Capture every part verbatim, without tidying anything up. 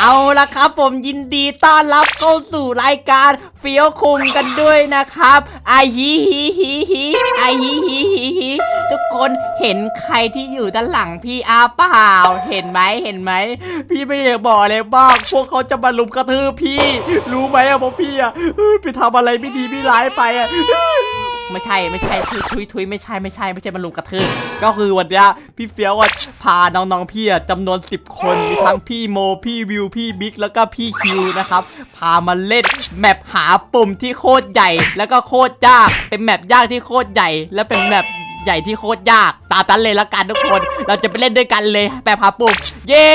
เอาละครับผมยินดีต้อนรับเข้าสู่รายการเฟี้ยวคุงกันด้วยนะครับไอฮิฮิฮิฮิไอฮิฮิฮิฮิทุกคนเห็นใครที่อยู่ด้านหลังพี่อาเปล่าเห็นไหมเห็นไหมพี่ไม่อยากบอกเลยบ้างพวกเขาจะมาลุมกระทืบพี่รู้ไหมอะพวกพี่อะไปทำอะไรไม่ดีไม่ร้ายไปอะไม่ใช่ไม่ใช่ทุยทุยทุยไม่ใช่ไม่ใช่ไม่ใช่มาลุมกระทืบก็คือวันนี้พี่เฟี้ยวพาน้องๆพี่จำนวนสิบคนมีทั้งพี่โมพี่วิวพี่บิ๊กแล้วก็พี่คิวนะครับพามาเล่นแมปหาปุ่มที่โคตรใหญ่แล้วก็โคตรยากเป็นแมปยากที่โคตรใหญ่และเป็นแมปใหญ่ที่โคตรยากตามนั้นเลยละกันทุกคนเราจะไปเล่นด้วยกันเลยแบบหาปุ่มเย้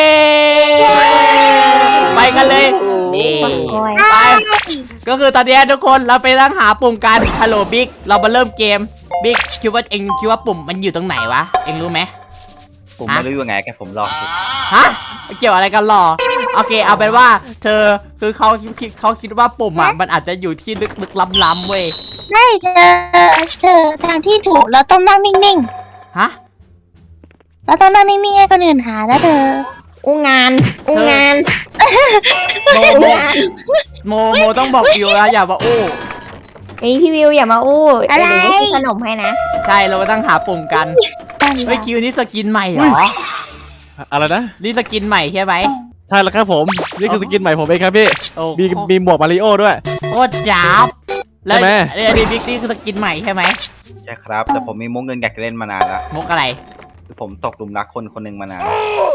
ไปกันเลยไปก็คือตอนนี้ทุกคนเราไปนั่งหาปุ่มกันฮัลโหลบิ๊กเรามาเริ่มเกมบิ๊กคิดว่าเองคิดว่าปุ่มมันอยู่ตรงไหนวะเองรู้ไหมผมไม่รู้ยังไงแกผมรอฮะเกี่ยวอะไรกันหรอโอเคเอาเป็นว่าเธอคือเขาคิดเขาคิดว่าปุ่มอ่ะมันอาจจะอยู่ที่ลึกๆล้ำๆเว้ยไม่เจอเจอทางที่ถูกเราต้องนั่งนิ่งๆฮะเราต้องนั่งนิ่งๆให้คนอื่นหานะเธออู้งานอู้งานโมโมโมโมต้องบอกวิวนะอย่ามาอู้ไอพี่วิวอย่ามาอู้อะไรขนมให้นะใช่เราก็ต้องหาปุ่มกันเฮ้ยคิวนี่สกินใหม่เหรออะไรนะนี่สกินใหม่ใช่ไหมใช่แล้วครับผมนี่คือสกินใหม่ผมเองครับพี่มีมีหมวกมาริโอด้วยโคตรจับแล้วไอ้บิ๊กนี่คือสกินใหม่ใช่ไหมใช่ครับแต่ผมมีมุกเงินอยากจะเล่นมานานแล้วมุกอะไรคือผมตกหลุมรักคนคนหนึ่งมานาน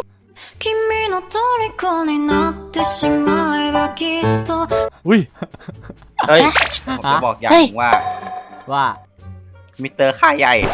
อุ้ยเฮ้ยผมจะบอกอย่างนึงว่าว่ามิสเตอร์ค่ายใหญ่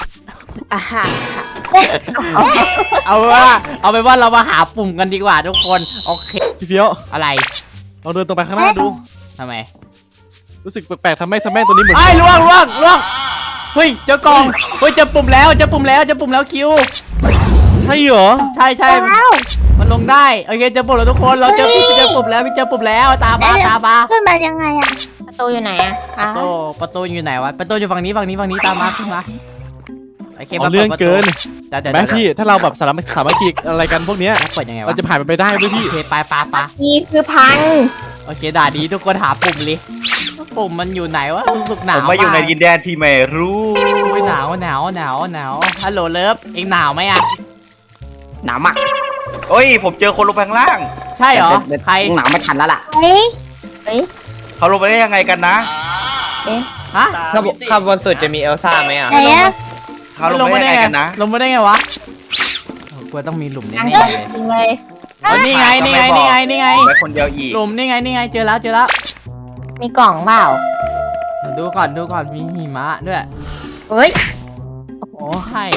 เอาว่าเอาไปว่าเรามาหาปุ่มกันดีกว่าทุกคนโอเคพี่เฟี้ยวอะไรเราเดินตรงไปข้างหน้าดูทำไมรู้สึกแปลกๆทำไมทำไมตัวนี้เหมือนไอ้ล่วงล่วงล่วงเฮ้ยเจอกล่องเฮ้ยเจอปุ่มแล้วเจอปุ่มแล้วเจอปุ่มแล้วคิวใช่เหรอใช่ใช่มันลงได้โอเคเจอปุ่มแล้วทุกคนเราเจอเจอปุ่มแล้วพี่เจอปุ่มแล้วตามมาตามมาขึ้นมายังไงอะประตูอยู่ไหนอะประตูประตูอยู่ไหนวะประตูอยู่ฝั่งนี้ฝั่งนี้ฝั่งนี้ตามมาขึ้นมาโอเคเรื่องเกินแม่พี่ถ้าเราแบบสามัคสามัคคีอะไรกันพวกเนี้ยเปิดยังไงวะเราจะผ่านไปได้ด้วยพี่โอเคไปไปไปนี่คือพังโอเคด่าดีทุกคนหาปุ่มเลยปุ่มมันอยู่ไหนวะรู้สึกหนาวผมมาอยู่ในดินแดนที่ไม่รู้หนาวหนาวหนาวหนาวฮัลโหลเลิฟเองหนาวไหมอะหนาวมากโอ้ยผมเจอคนลงไปข้างล่างใช่เหรอใครหนาวไม่ทันแล้วล่ะเฮ้ยเฮ้ยเขาลงไปได้ยังไงกันนะเอ๊ะฮะข้างข้างบนสุดจะมีเอลซ่าไหมอ่ะไหนอะเขาลงไปได้ยังไงกันนะลงไปได้ไงวะกลัวต้องมีหลุมแน่ๆเลยนี่ไงนี่ไงนี่ไงนี่ไงไว้คนเดียวอีกหลุมนี่ไงนี่ไงเจอแล้วเจอแล้วมีกล่องเปล่าดูก่อนดูก่อนมีหิมะด้วยเฮ้ยโอ้ใช่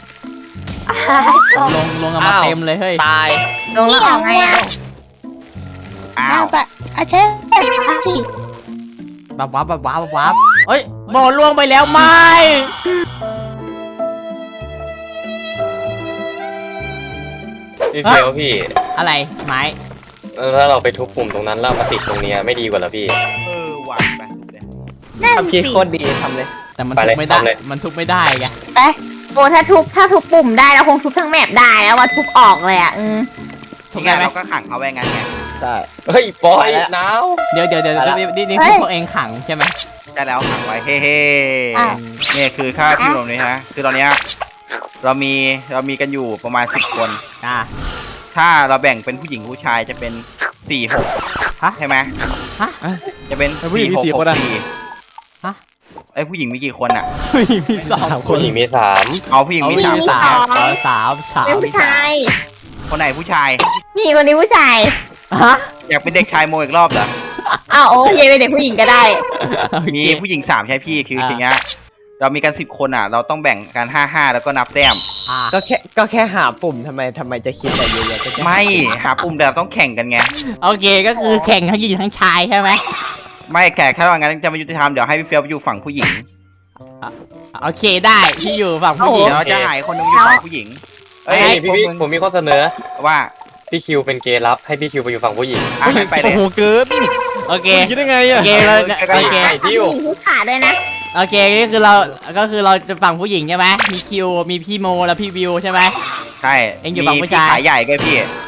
ลงลงมาเต็มเลยเฮ้ยตายลงแล้วออกไงอ่ะอ้าวแบบอาเช่สิบับวับบับวับวับเฮ้ยโบล่วงไปแล้วไม่พี่เฟี้ยวพี่อะไรไม้ถ้าเราไปทุบปุ่มตรงนั้นแล้วมาติดตรงนี้ไม่ดีกว่าเหรอพี่เออหวานไปทำคิดโคตรดีทำเลยแต่มันทุบไม่ได้มันทุบไม่ได้ไงไปโอ้ถ้าทุบถ้าทุบปุ่มได้เราคงทุบทั้งแมปได้แล้วว่าทุบออกเลยอ่ะอืมทุบได้ไหมเราก็ขังเขาไว้งั้นไงใช่เฮ้ยปอยหนาวเดี๋ยวเดี๋ยวเดี๋ยวนี่นี่พวกเองขังใช่ไหมใช่แล้วขังไว้เฮ้เฮ้เนี่ยคือค่าที่ตรงนี้ฮะคือตอนนี้เรามีเรามีกันอยู่ประมาณสิบคนอ่าถ้าเราแบ่งเป็นผู้หญิงผู้ชายจะเป็นสี่หกใช่ไหมฮะจะเป็นผู้หญิงมีสี่คนอ่ะฮะไอผู้หญิงมีกี่คนอ่ะผู้หญิงมีสามคนผู้หญิงมีสามเอาผู้หญิงมีสามสามสามสามผู้ชายคนไหนผู้ชายนี่คนนี้ผู้ชายฮะอยากเป็นเด็กชายโมอีกรอบเหรออ้าวโอเคเป็นเด็กผู้หญิงก็ได้มีผู้หญิงสามใช่พี่คืออย่างเงี้ยเรามีกันสิบคนอ่ะเราต้องแบ่งกันห้าห้าแล้วก็นับแต้มก็แค่ก็แค่หาปุ่มทำไมทำไมจะคิดอะไรเยอะๆไม่หาปุ่มแต่ต้องแข่งกันไงโอเคก็คือแข่งทั้งหญิงทั้งชายใช่ไหมไม่แข่งแค่ว่างั้นจะมายุติธรรมเดี๋ยวให้พี่เฟี้ยวอยู่ฝั่งผู้หญิงโอเคได้ที่อยู่ฝั่งผู้หญิงเราจะหายคนนึงอยู่ฝั่งผู้หญิงเอ้ยพี่ผมมีข้อเสนอว่าพี่คิวเป็นเกย์รับให้พี่คิวไปอยู่ฝั่งผู้หญิงไปเลยโอ้โหเกินโอเคคิดได้ไงอ่ะโอเคเราโอเคผู้หญิงผู้ขาด้วยนะโอเคก็คือเราก็คือเราจะฝั่งผู้หญิงใช่ไหมมีคิวมีพี่โมแล้วพี่วิวใช่ไหมใช่เอ็งอยู่ฝั่งผู้ชายขายใหญ่ก็พี่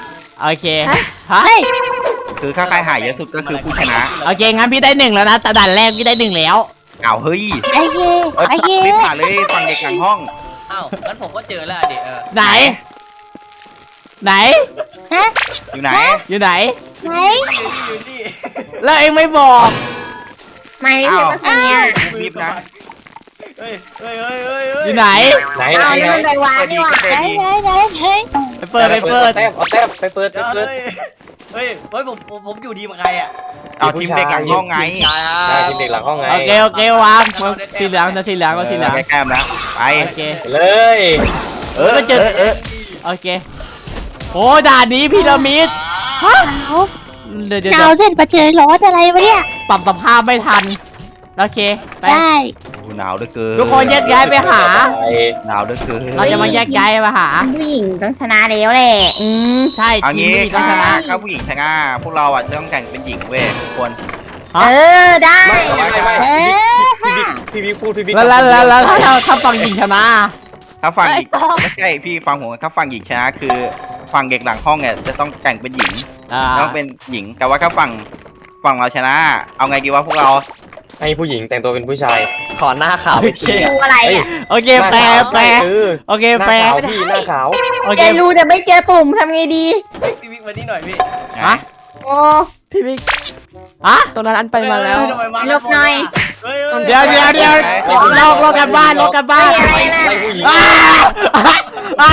โอเคฮะเฮ้ยคือถ้าใครหายเยอะสุดก็คือผู้ชนะโอเคงั้นพี่ได้หนึ่งแล้วนะแต่ด่านแรกพี่ได้หนึ่งแล้วอ้าวเฮ้ยไอเคเออไอเครีบผ่านเลยฝั่งเด็กหลังห้องอ้าวงั้นผมก็เจอแล้วดิเออไหน ไหนฮะอยู่ไหนอยู่ไหนไหนอยู่นี่แล้วเองไม่บอกไม่ใช่ปะเนี่ยรีบนะเฮ้ยเฮ้ยเฮ้ยเฮ้ยเฮ้ยอยู่ไหนไหนเอาไหนนี่มันไปวางนี่หว่าไหนไหนไหนไหนไปเปิดไปเปิดแต้มเอาแต้มไปเปิดไปเฮ้ยเปิดเฮ้ยเฮ้ยผมผมผมอยู่ดีกับใครอ่ะเอาทีมเด็กหลังห้องไงชายอ่ะได้ทีมเด็กหลังห้องไงโอเคโอเควางสีเหลืองจะสีเหลืองก็สีเหลืองแก้มนะไปโอเคเลยเออไปเจอเออโอเคโอ้ด่านนี้พีระมิดฮะเดี๋ยวเดี๋ยวหนาวเส้นประเจอร้อนอะไรวะเนี่ยปรับสภาพไม่ทันโอเคไปใช่โอ้หนาวเหลือเกินทุกคนแยกย้ายไปหาไปหนาวเหลือเกินเราจะมาแยกย้ายมาหาผู้หญิงต้องชนะแล้วแหละ อืมใช่เอาทีมงี้นี้ต้องชนะถ้าผู้หญิงชนะพวกเราอ่ะจะต้องแข่งเป็นหญิงเว้ยทุกคนฮะเออ ได้ไม่ไม่ไม่เออพี่บิ๊กพี่บิ๊กพูดพี่บิ๊กแล้วแล้วแล้วแล้วถ้าถ้าฝั่งหญิงชนะถ้าฝั่งหญิงไม่ใช่พี่ฟังผมถ้าฝั่งหญิงชนะคือฝั่งเด็กหลังห้องเนี่ยจะต้องแข่งเป็นหญิงอ่าต้องเป็นหญิง แต่ว่าถ้าฝั่งฝั่งเราชนะ เอาไงดีวะพวกเราให้ผู้หญิงแต่งตัวเป็นผู้ชายขอหน้าขาวไปทีดูอะไรอ่ะโอเคแฟร์แฟร์เออโอเคหน้าแฟร์ขาวพี่หน้าขาวโอเคแกรู้แต่ไม่เจอปุ่มทำไงดีพี่บิ๊กมานี่หน่อยพี่ฮะโอ้พี่บิ๊กฮะตรงนั้นอันไปมาแล้วเฮ้ยทำไมาลบหน่อยเฮ้ยฮ้เดี๋ยวเดี๋ยวเดี๋ยวลอกลอกกันบ้านลอกกันบ้านอะไรนะไล่ผู้หญิงอ้าอ้า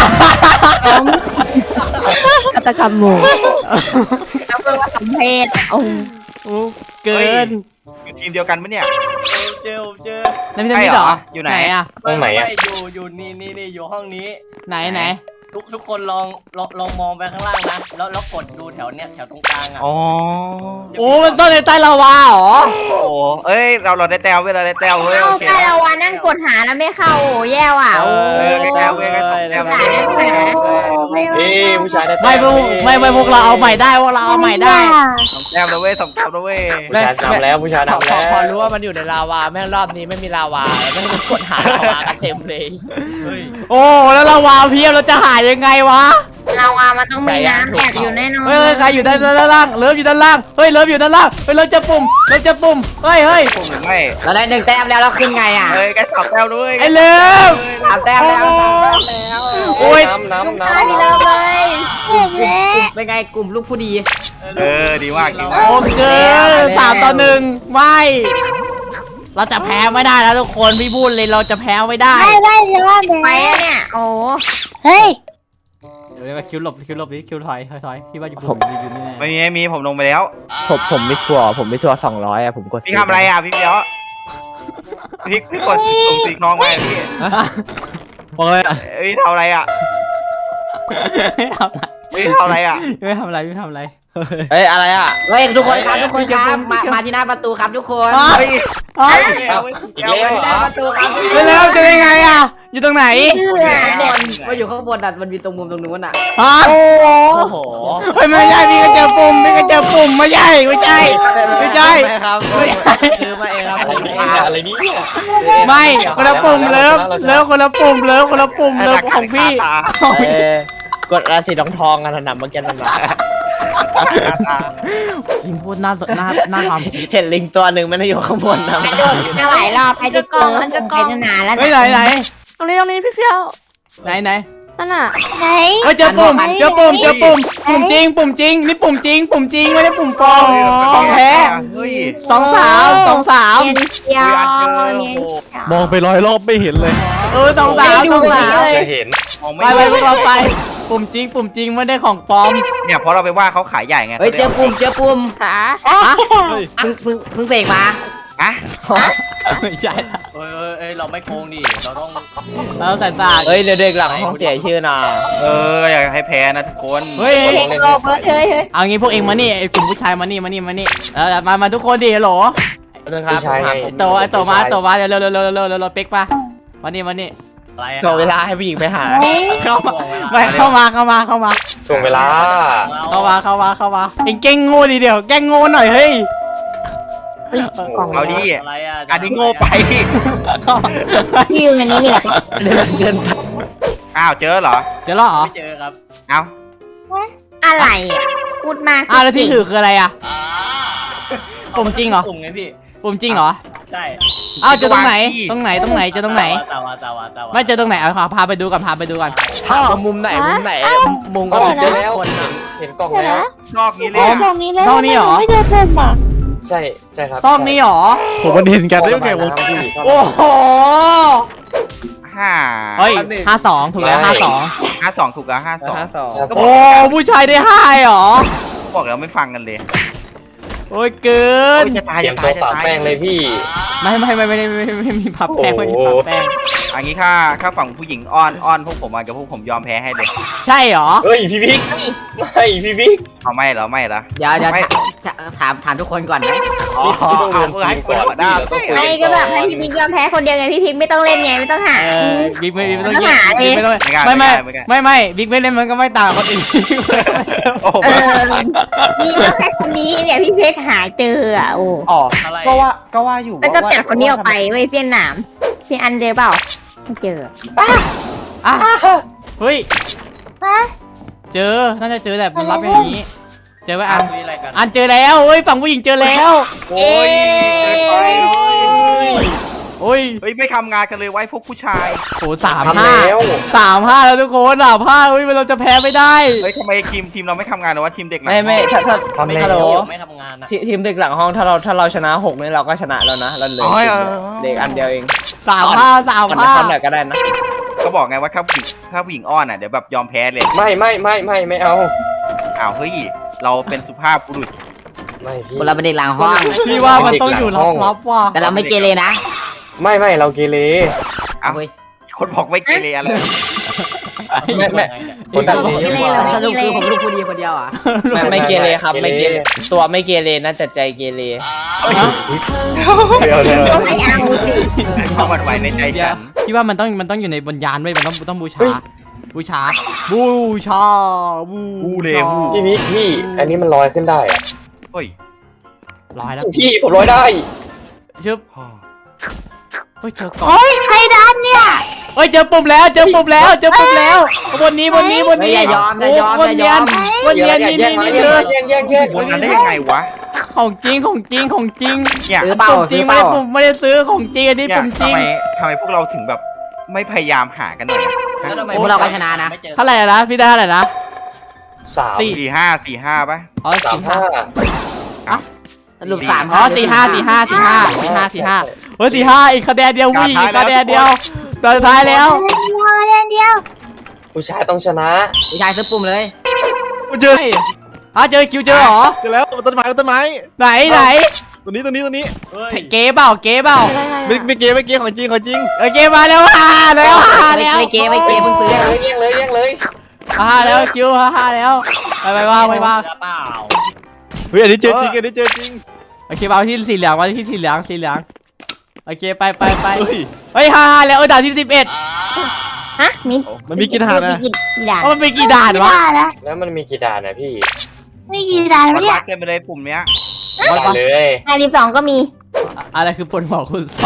ฆาตกรรมหมู่เอาเพื่อว่าสมเพศโอ้โอ้เกินอยู่ทีมเดียวกันปะเนี่ยเจอผมเจอในพี่จะมีเหรออยู่ไหนอะตรงไหนอ่ะม่อยู่อยู่นี่นี่นี่อยู่ห้องนี้ไหนไหนทุกทุกคนลองลองลองมองไปข้างล่างนะแล้วแล้วกดดูแถวเนี้ยแถวตรงกลางอ่ะอ๋อโอ้มันต้นในใต้ลาวาเหรอโอ้โหเอ้ยเราเราได้แต้วเว้ยเราได้แต้วเว้ยเอาโอเคแต่ละวันนั่งกดหาแล้วไม่เข้าโอ้แย่ว่ะโอ้เออได้แต้วเว้ยได้สองแต้วหาได้ไหมไม่เอ้ยผู้ชายได้ไม่พวกไม่ไม่พวกเราเอาใหม่ได้พวกเราเอาใหม่ได้สองแต้มแล้วเว้ยสองแต้มแล้วเว้ยผู้ชายนำแล้วผู้ชายพอนำพแล้อวพอรู้ว่ามันอยู่ในลาวาแม่งรอบนี้ไม่มีลาวาแล้วแม่งกดหาลาวากันเต็มเลยเฮ้ยโอ้แล้วลาวาเพียบเราจะหายังไงวะเราอ่ะมันต้องมีน้ำแอบอยู่แน่นอนเฮ้ยใครอยู่ด้านด้านล่างเลิฟอยู่ด้านล่างเฮ้ยเลิฟอยู่ด้านล่างเฮ้ยเลิฟจะปุ่มเลิฟจะปุ่มเฮ้ยเฮ้ยผมหรือไม่เราได้หนึ่งแต้มแล้วเราขึ้นไงอ่ะเอ้ยแกสองแต้มด้วยไอ้เลิฟสามแต้มแล้วสามแต้มแล้วโอ้ยน้ำน้ำน้ใช่เลยเลยเจ็บแล้วเป็นไงกลุ่มลูกผู้ดีเออดีมากดีมากโอ้เกินสามต่อหนึ่งไม่เราจะแพ้ไม่ได้นะทุกคนพี่พูดเลยเราจะแพ้ไม่ได้ไม่ไม่จะว่าแหมไปอะเนี่ยโอ้เฮ้ยเดี๋ยวมาคิวหลบคิวหลบดิคิวถอยถอยถอยพี่ว่าอยู่ผมอยู่นี่แน่ไม่มีไม่มีผมลงไปแล้วผมผมไม่ชัวร์ผมไม่ชัวร์สองร้อยอ่ะผมกดพี่ทำอะไรอ่ะพี่เดียวพี่พี่กดส่งสีน้องไปพี่บอกเลยอ่ะเอ้ยทำอะไรอ่ะไม่ทำอะไรพี่ทำอะไรอ่ะไม่ทำอะไรไม่ทำอะไรเฮ้ยอะไรอ่ะเฮ้ยทุกคนครับทุกคนครับมามาที่หน้าประตูครับทุกคนเฮ้ยเฮ้ยำอีกแล้วที่หน้าประตูครับไปแล้วจะได้ไงอ่ะอยู่ตรงไหนเชื่อข้างบนมาอยู่ข้างบนอ่ะมันมีตรงมุมตรงนู้นอ่ะฮะโอ้โหเฮ้ยไม่ใช่พี่ก็เจอปุ่มพี่ก็เจอปุ่มไม่ใช่ไม่ใช่ไม่ใช่ครับไม่ใช่ซื้อมาเองครับอะไรเนี่ยอะไรเนี่ยไม่คนละปุ่มเลิฟเลิฟคนละปุ่มเลิฟคนละปุ่มเลิฟของพี่เออกดราศีทองทองกันนะเมื่อกี้นั่นนะยิงพูดหน้าหน้าหน้าความคิดเห็นลิงตัวหนึ่งมันอยู่ข้างบนนะกระโดดจะหลายรอบไปจะกองมันจะกองนานแล้วเฮ้ยไหนไหนตรงนี้ตรงนี้พี่เฟี้ยวไหนไหนนั่นน่ะไหนเฮ้ยเจอปุ่มเจอปุ่มเจอปุ่มปุ่มจริงปุ่มจริงนี่ปุ่มจริงปุ่มจริงไม่ได้ปุ่มปลอมของแท้เฮ้ยสองสาวสองสาวเนียนเชียวเนียนเชียวมองไปร้อยรอบไม่เห็นเลยเออสองสาวสองสาวจะเห็นมองไปไม่ไปพวกเราไปปุ่มจริงปุ่มจริงไม่ได้ของปลอมเนี่ยเพราะเราไปว่าเขาขายใหญ่ไงเฮ้ยเจอปุ่มเจอปุ่มขาฮะเพิ่งเพิ่งเพิ่งเสกมาอะไม่ใช่เอ้ยเอ้ยเอ้ยเราไม่โกงดิเราต้องเราใส่ตาเฮ้ยเด็กๆหลังห้องเสียชื่อน่ะเอออยากให้แพ้นะทุกคนเฮ้ยเฮ้ยโลเบิร์ดเฮ้ยเฮ้ยเอางี้พวกเองมานี่ไอ้กลุ่มผู้ชายมานี่มานี่มานี่เออมามาทุกคนดิฮัลโหลนะครับผู้ชายไงไอ้โตไอ้โตมาไอ้โตมาเร็วเร็วเร็วเร็วเร็วเร็วเร็วเป๊กมามานี่มานี่อะไรอะรอเวลาให้ผู้หญิงไปหาเฮ้ยเข้ามาไม่เข้ามาเข้ามาเข้ามาช่วงเวลาเข้ามาเข้ามาเข้ามาเอ็งเก่งโง่ดีเดียวแกล้งโง่หน่อยเฮ้ยกล่องเอาดิอะไรอะอันนี้โง่ไปเข้ามาพี่อยู่ในนี้นี่แหละเดินเดินอ้าวเจอเหรอเจอแล้วเหรอไม่เจอครับเอ้าอะไรอ่ะพูดมากอ้าวแล้วที่ถือคืออะไรอ่ะปุ่มจริงเหรอปุ่มไงพี่ปุ่มจริงเหรอใช่อ้าวเจอตรงไหนตรงไหนตรงไหนเจอตรงไหนตาวาตาวาตาวาไม่เจอตรงไหนเอาพาไปดูก่อนพาไปดูก่อนถามว่ามุมไหนมุมไหนมุมก็ก็ผิดเจเจออแล้แล้ว วเห็นเห็นกล่องเดี๋ยวแล้วนะนอกนี้เลอ๋ยออะตรงนี้เลยตรงนี้เหรอไม่เจอปุ่มอ่ะใช่ใช่ครับต้องนี้เหรอผมมันเห็นกันได้ยังไงวะพี่โอ้โหห้าเฮ้ยห้าสองถูกแล้วห้าสองห้าสองถูกแล้วห้าสองห้าสองก็บโอ้อกผู้ชายได้ห้าเหรอบอกแล้วไม่ฟังกันเลยโอ้ยเกินโอ้ยจะตายเตรียจะมตาตัวยจะปาตายแป้งเลยพี่ไม่ไม่ไม่ไม่ไม่ไม่ไม่มีพับแป้งไม่มีพับแป้งอันนี้ค่าค่าฝั่งผู้หญิงอ้อนอ้อนพวกผมอ่ะกับพวกผมยอมแพ้ให้เลยใช่เหรอเฮ้ยพี่บิ๊กไม่พี่บิ๊กเอาไม่เหรอไม่เหรอเดี๋ยวเดี๋ยวไม่ถามถามทุกคนก่อนนะอ๋อพี่ต้องเดินเอาทีให้มคก่นอนหัวหน้าพี่แล้วก็คุยไม่ก็แบบให้พี่พิกยอมแพ้คนเดียวไงพี่พิกไม่ต้องเล่นไงไม่ต้องหาเออบิ๊กไม่บิ๊กไม่ต้องปัญหาเลยบิ๊กไม่ต้องไม่ไม่ไม่ไม่บิ๊กไม่เล่นมันก็ไม่ต่างกับคนอื่นโอ้โหเออนี่ก็แค่คนนี้เนี่ยพี่เพชรหาเจออ่ะโอ้อ๋ออะไรก็ว่าก็ว่าอยู่แล้วก็เปลี่ยนคนนี้ออกไปเว้ยเปลี่ยนหนามเปลี่ยนอันเจอเปล่าไม่เจออ่ะเฮ้ยฮะเจอน่าจะเจอแหละมันรับอย่างนี้ เจอไว้อันคุยอะไรกันอันเจอแล้วเฮ้ยฝั่งผู้หญิงเจอแล้วโอ้ยเกินไปโอ้ยเฮ้ยไม่ทำงานกันเลยไว้พวกผู้ชายโหสามทำห้าแล้วสามห้าแล้วทุกคนสามห้าเฮ้ยเราจะแพ้ไม่ได้เฮ้ยทำไมทีมทีมเราไม่ทำงานหรอว่าทีมเด็กหลังไม่ไม่ถ้าถ้าทำไม่แล้ฮัลโหลวไม่ทำงานนะทีทีมเด็กหลังห้องถ้าเราถ้าเราชนะหกนี่เราก็ชนะแล้วนะเราเหลืออ๋อสิบเออเด็กอันเดียวเองสามห้าสามมันห้าทำหน่อยก็ได้นะก็บอกไงว่าถ้าผู้หญิงถ้าผู้หญิงอ้อนอ่ะเดี๋ยวแบบยอมแพ้เลยไม่ไม่ไม่ไม่ไม่เอาอ้าวเฮ้ยเราเป็นสุภาพบุรุษไม่พี่เราเป็นเด็กหลังห้องพี่ว่ามันต้องอยู่ลับๆว่ะแต่เราไม่เกเรนะไม่ไม่เราเกเรอ้าวเฮ้ยคนบอกไม่เกเรอะไรไม่ไม่คนตัดไม่เลี้เกยเรหรอกสรุปคือผมลูกผู้ดีคนเดียวอ่ะไม่ไม่เกเรครับไม่เกเรตัวไม่เกเรนะแต่ใจเกเรเดี๋ยวเดี๋ยวต้องไม่เอาสิเข้ามาไว้ในใจเดี๋ยฉัวน พี่ว่ามันต้องมันต้องอยู่ในบนยานไว้ยมันต้องต้องบูชา บูชา บูชา บูบูเลชาบูพี่บิ๊กพี่ อันนี้มันลอยขึ้นได้อะเฮ้ยร้อยแล้วพี่ผมลอยได้ชึบเฮ้ยเจอกล่องโอ้ยใครดันเนี่ยเฮ้ยเจอปุ่มแล้วเจอปุ่มแล้วเจอปุ่มแล้วบนนี้บนนี้บนนี้อย่ายอมอย่ายอมโบนอย่าเนียยอน มบนเนียนนี่นี่นี่เธอแยกแยกแยกบนนั้นได้ยังไงวะของจริงของจริงของจริงเนี่ยซื้อเปล่าปุ่มจริซื้งอเปไม่ล่าได้ปุ่มไม่ได้ซื้อของจริงอันนี้เนี่ยปุ่มจริทำงไมทำไมพวกเราถึงแบบไม่พยายามหากันหน่อยอะแล้วทำไมพวกเราก็ชนะนะไม่เจอเท่าไหร่นะพี่ได้เท่าไหร่นะสามสี่สี่ห้าสี่ห้าป่ะอ๋อสามสี่ห้าห้าสรุปสามอ๋อสี่ห้าสี่ห้าสี่ห้าสี่ห้าสี่ห้าเฮ้ยสี่ห้าอีกคะแนนเดียววิ่งอีกคะแนนเดียวตอนสุดท้ายแล้วเดียวเดียวเดียวผู้ชายต้องชนะผู้ชายซื้อปุ่มเลยเจอเฮ้ยอ่ะเจอคิวเจอเหรอเจอแล้วต้นไม้ต้นไม้ไหนไหนตัวนี้ตัวนี้ตัวนี้เฮ้ยเก๋เปล่าเก๋เปล่าไม่ไม่เกไม่เกของจริงของจริงเออเก๋มาแล้วฮ่าแล้วฮ่าแล้วไม่เกไม่เกเพิ่งซื้อแยกเลยแยกเลยแยกเลยฮ่าแล้วคิวฮ่าแล้วไปไปว่าไปว่าเจอเปล่าเฮ้ยอันนี้เจอจริงอันนี้เจอจริงโอเคเอาที่สีเหลืองมาที่สีเหลืองสีเหลืองโอเคไปไปไปเฮ้ยเฮ้ยฮ่าแล้วเออด่านที่สิบเอ็ดฮะมีมันมีกี่ทหารนะมีกี่ด่านมันเป็นกี่ด่านวะไม่ได้แล้วแล้วมันมีกี่ด่านนะพี่ไม่กี่ด่านวัแล้วดเนี่วัยดกันไปเลยปุ่มเนี้ยด่านเลยด่านที่สองก็มีอะไรคือปวดหัวคุณสอง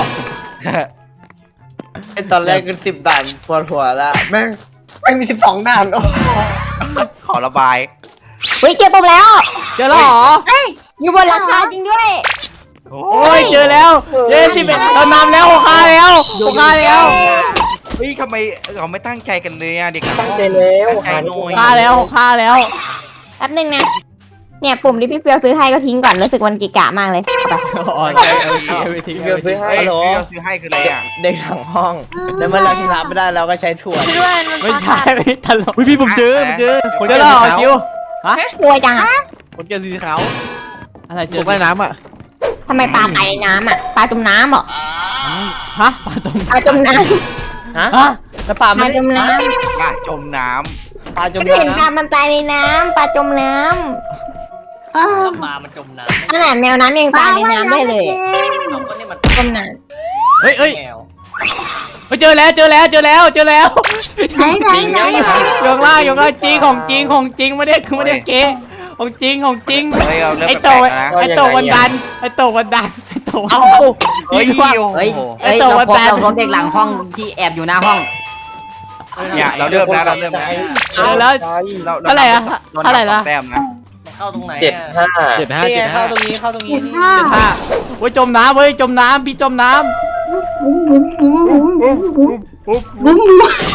ตอนแรกคือสิบด่านปวดหัวละแม่งแม่งมีสิบสองด่านโอ้ขอระบายเฮ้ยเจอปุ่มแล้วเจอแล้วเหรออยู่บนหลังคาจริงด้วยโอ้โอ้ยเจอแล้วเย้สิบเอ็ดเรานำแล้วหกห้าแล้วหกห้าแล้วเฮ้ยทำไมเราไม่ตั้งใจกันเลยอะเด็กตั้งใจแล้วตั้งใจหน่อยห้าแล้วหกห้าแล้วแป๊บนึงนะเนี่ยปุ่มที่พี่เปียวซื้อให้ก็ทิ้งก่อนรู้สึกวันกิกะมากเลยเอาไปอ๋อใช่โอเคไปทิ้งเดี๋ยวซื้อให้เฮ้ยที่เราซื้อให้คืออะไรอ่ะเด็กหลังห้องแล้วเมื่อเราชนะไม่ได้เราก็ใช้ถั่วด้วยมันไม่ใช่ไม่ตลกเฮ้ยพี่ผมเจอผมเจอคนเจแก่อแล้วสีเหรอขาวคิวกลัวจังอะคนแก่สีขาวอะไรเจตอกใต้น้ำอ่ะทำไมปลาไปในน้ำอ่ะปลาจมน้ำเหรอฮะปลาตรงปลาจมน้ฮะฮะแล้วปลาำปไม่ลาได้จมน้ปลาจมน้ปลาจำมก็เห็นปลาน้ำมันตายในน้ำปลาจมน้เออแล้วปลามันจมน้ำำขนาดแมวน้ำยังตายในน้ำได้เลยเอาก็นี่มันจมน้เฮ้ยเฮ้ยแมวเฮ้ยเจอแล้วเจอแล้วเจอแล้วเจอแล้วไหนไหนไหนไหนยกล่างยกล่างจริงของจริงของจริงไม่ได้คือไม่ได้เก๊ของจริงของจริงำเฮ้ยเราเริ่มไอแปโตลกๆแล้วนะไอโตวันดันไอโตวันดันไอโตวันเอาดันเฮ้ยยิงว่าโอ้เฮ้ยโหเฮ้ยไอ้ตัวเราพบแฟนเราพบเด็กหลังห้องที่แอบอยู่หน้าห้องเนี่ยเราเริ่มแล้วเราเริ่มแล้วเออแล้วเราเท่าไหร่อะเท่าไหร่ละแต้มนะเข้าตรงไหนเจ็ดห้าเจ็ดห้านี่ไงเจ็ดห้าเข้าตรงนี้เข้าตรงนี้เจ็ดห้าอ่ะเว้ยจมน้ำเว้ยจมน้ำพี่จมน้บุ้มบุ้มบุ้มบุ้มบุ้มบุ้มบุ้มบุ้ม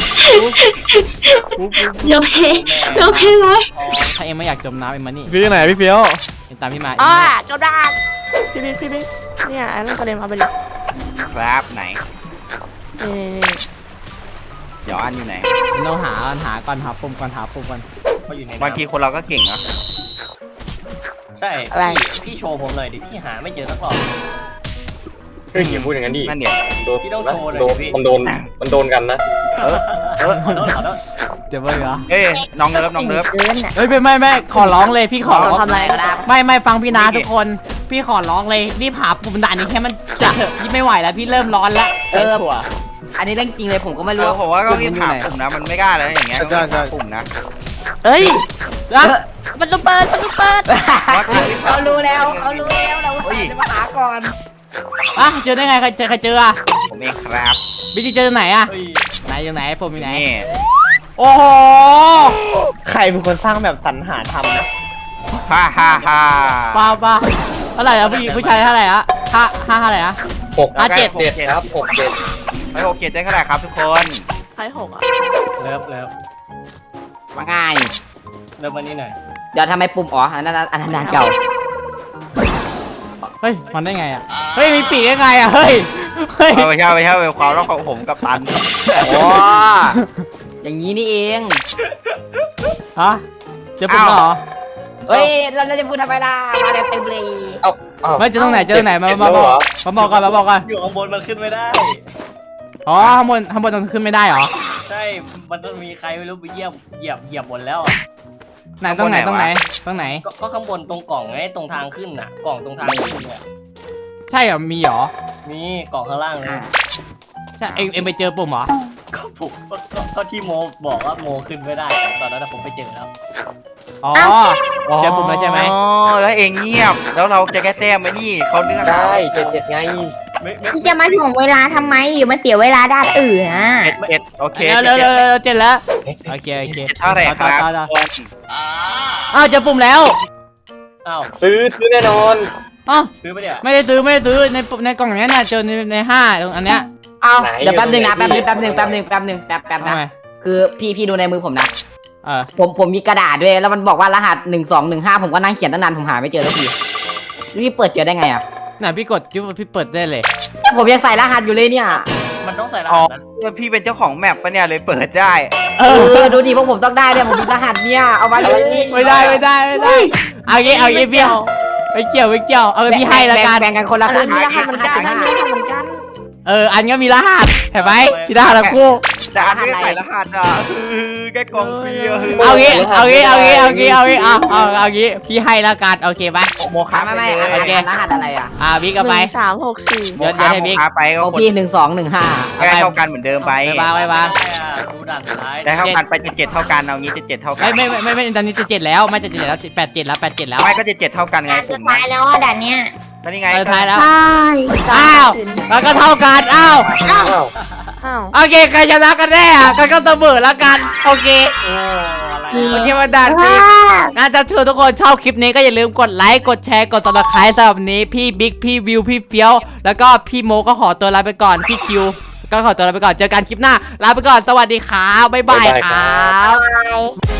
เดี๋ยวเพเดี๋ยวเพเลยำถ้าเองไม่อยากจมน้ำเองมานี่พี่ไหนพี่เฟี้ยวเองตามพี่มาอ่าจบได้พี่บิ๊กพี่บิ๊กเนี่ยไอ้นั่นกระเด็นมาไปเลยครับไหนนี่เดี๋ยวอันอยู่ไหนเราหาหาก่อนหาปุ่มก่อนหาปุ่มก่อนเขาอยู่ในบางทีคนเราก็เก่งนะใช่พี่พี่โชว์ผมเลยดิพี่หาไม่เจอสักรอบเฮ้ยอย่าพูดอย่างนั้นดินั่นเดี๋ยวโดนพี่ต้องโชว์เลยโดนพี่มันโดนมันโดนกันนะเออเออขอโทษขอโทษเดี๋ยวเว้ยเหรอเอ้ยน้องเลิฟน้องเลิฟเกินอ่ะเฮ้ยไม่ไม่ไม่ขอร้องเลยพี่ขอร้องทำอะไรก็ได้ไม่ไม่ฟังพี่นะทุกคน พี่ขอร้องเลยรีบหาปุ่มด่านนี้แค่มันจะพี่ไม่ไหวแล้วพี่เริ่มร้อนแล้วเออถั่วอันนี้เรื่องจริงเลยผมก็ไม่เอรู้อผมว่าก็ปุ่มรีบมันอยู่หาไหนปุ่มนะมันไม่กล้าเลยอย่างเงี้ยต้องหาปุ่มนะเอ้ยรักมันจะเปิดมันจะเปิดว่าก็รีบหเขารู้แล้วเขารู้แล้วเราจะมาหาก่อนอ่ะเจอได้ไงใครเจอใครเจออ่ะผมเองครับบิ๊กเจอตรงไหนอ่ะเฮ้ยไหนอยู่ไหนผมอยู่ไหนนี่โอ้โหใครเป็นคนสร้างแบบสรรหาทำนะฮ่าฮ่าฮ่าป้าป้าเท่าไหร่อ่ะผู้หญิงผู้ชายเท่าไหร่อ่ะห้าห้าเท่าไหร่อ่ะหกอ่ะเจ็ดเจ็ดครับหกเจ็ดไปหกเจ็ดได้เท่าไหร่ครับทุกคนใครหกอ่ะเลิฟเลิฟว่าง่ายเลิฟมานี่หน่อยเดี๋ยวทำไมปุ่มอ๋ออันนั้นอันนั้นอันเก่าเฮ้ยมันได้ไงอ่ะเฮ้ยมีปีกได้ไงอ่ะเฮ้ยเฮ้ยเอาไปเช่าไปเช่าไปความรักของผมกับตันโอ้อย่างนี้นี่เองฮะเจอปุ่มแล้วเหรอเฮ้ยเราเราจะพูดทำไมล่ะมาเต็มเลยเอ้าเอ้าไม่เจอตรงไหนเจอตรงไหนมาเจ็ดมาแล้วบเหรออกมาบอกก่อนมาบอกก่อนอยู่ข้างบนมันขึ้นไม่ได้อ๋อข้างบนข้างบนตรงขึ้นไม่ได้เหรอใช่มันต้องมีใครไม่รู้ไปเหยียบเหยียบเหยียบบนแล้วอะไหนตรงไหนตรงไหนตรงไหนก็ก็ข้างบนตรงกล่องไงตรงทางขึ้นน่ะ กล่องตรงทางขึ้นเนี่ยใช่เหรอมีเหรอมีกล่องข้างล่างเลยใช่เอ็งเอ็งไปเจอปุ่มเหรอก็ผมก็ก็ก็ที่โมบอกว่าโมขึ้นไม่ได้ ตอนนั้นนะผมไปเจอแล้วอ๋อเจอปุ่มแล้วใช่ไหมอ๋อแล้วเองเงียบแล้วเราจะแก้แต้มไหมนี่เขาเนื้อได้เจ็ดเจ็ดไงไม่ไม่พี่จะมาถ่วงเวลาทำไมอยู่มาเสียเวลาด้านอื่นอ่ะเจ็ดเจ็ดโอเคเร็วเร็วเร็วเร็วเจ็ดแล้วโอเคโอเคเจ็ดเท่าไหร่ครับต่อต่อต่ออ้าวเจอปุ่มแล้วอ้าวซื้อซื้อแน่นอนอ้าวซื้อไปเนี่ยไม่ได้ซื้อไม่ได้ซื้อในปุ่มในกล่องเนี้ยเนี่ยเจอในในห้าตรงอันเนี้ยเอาเดี๋ยวแป๊บนึงนะแป๊บนึงแป๊บนึงแป๊บนึงแป๊บนึงแป๊บแป๊บทำนะไมคือพี่พี่ดูในมือผมนะเออผมผมมีกระดาษด้วยแล้วมันบอกว่ารหัสหนึ่งสองหนึ่งห้าผมก็นั่งเขียนตั้งนานผมหาไม่เจอสักทีพี่เปิดเจอได้ไงอ่ะไหนพี่กดจุ๊บพี่เปิดได้เลยผมยังใส่รหัสอยู่เลยเนี่ยมันต้องใส่รอ๋อหัสนะพี่เป็นเจ้าของแมปปะเนี่ยเลยเปิดได้เอเอออดูดิพวกผมต้องได้เนี่ยผมมีรหัสเนี่ยเอามาเลยไม่ได้ไม่ได้ไม่ได้เอางี้เอางี้พี่ไม่เกี่ยวไม่เกี่ยวเอาไปพี่ให้ละกันแบ่งกันคนละครึ่งมีรหัสเหมือนกันมีรหัสเหมือนกันเอออันก็มีรหัสเห็นไหมพี่รหัสทั้งคู่แต่อันไม่ได้ใส่รหัสอ่ะคือแค่กล่องฟรีอ่ะเอางี้เอางี้เอางี้เอางี้เอางี้เอาเอาเอางี้พี่ให้ละกันโอเคปะโมฆะไม่ไปไม่เลไม่ยรหัสรหัสอะไรอ่ะอ่าบิ๊กหก็ไปนึ่งสามหกสี่เดี๋ยวเดี๋ยวให้บิ๊กโมฆะไปก็โอคนพี่หนึ่งสองหนึ่งห้าได้เท่ากันเหมือนเดิมไปไปวางไปวางได้อะดูด่านสุดท้ายได้เท่ากันไปเจ็ดเจ็ดเท่ากันเอางี้เจ็ดเจ็ดเท่ากัไม่ไม่ไม่ไม่ไม่ตอนนี้จะเจ็ดแล้วไม่จะเจ็ดแล้วแปดเจ็ดแล้วแปดเจ็ดแล้วไม่ก็เจ็ดเจ็ดเท่ากันไงสุปุ่ดมท้ายแล้วอ่ะด่านเนี้ยแล้วนี่ไงสุดท้ายแล้วใช่อ้าวแล้วก็เท่ากันอ้าวอ้าวอ้าวโอเคใครชนะกันแน่อะกันก็เสมอแล้วกันโอเคโอ้อะไรโออะเคมาดันพี่งั้นจะเชิญทุกคนชอบคลิปนี้ก็อย่าลืมกดไลค์กดแชร์กด ซับสไครบ์สำหรับวันนี้พี่บิ๊กพี่วิวพี่เฟี้ยวแล้วก็พี่โมก็ขอตัวลาไปก่อนพี่คิวก็ขอตัวลาไปก่อนเจอกันคลิปหน้าลาไปก่อนสวัสดีครับบ๊ายบายครับ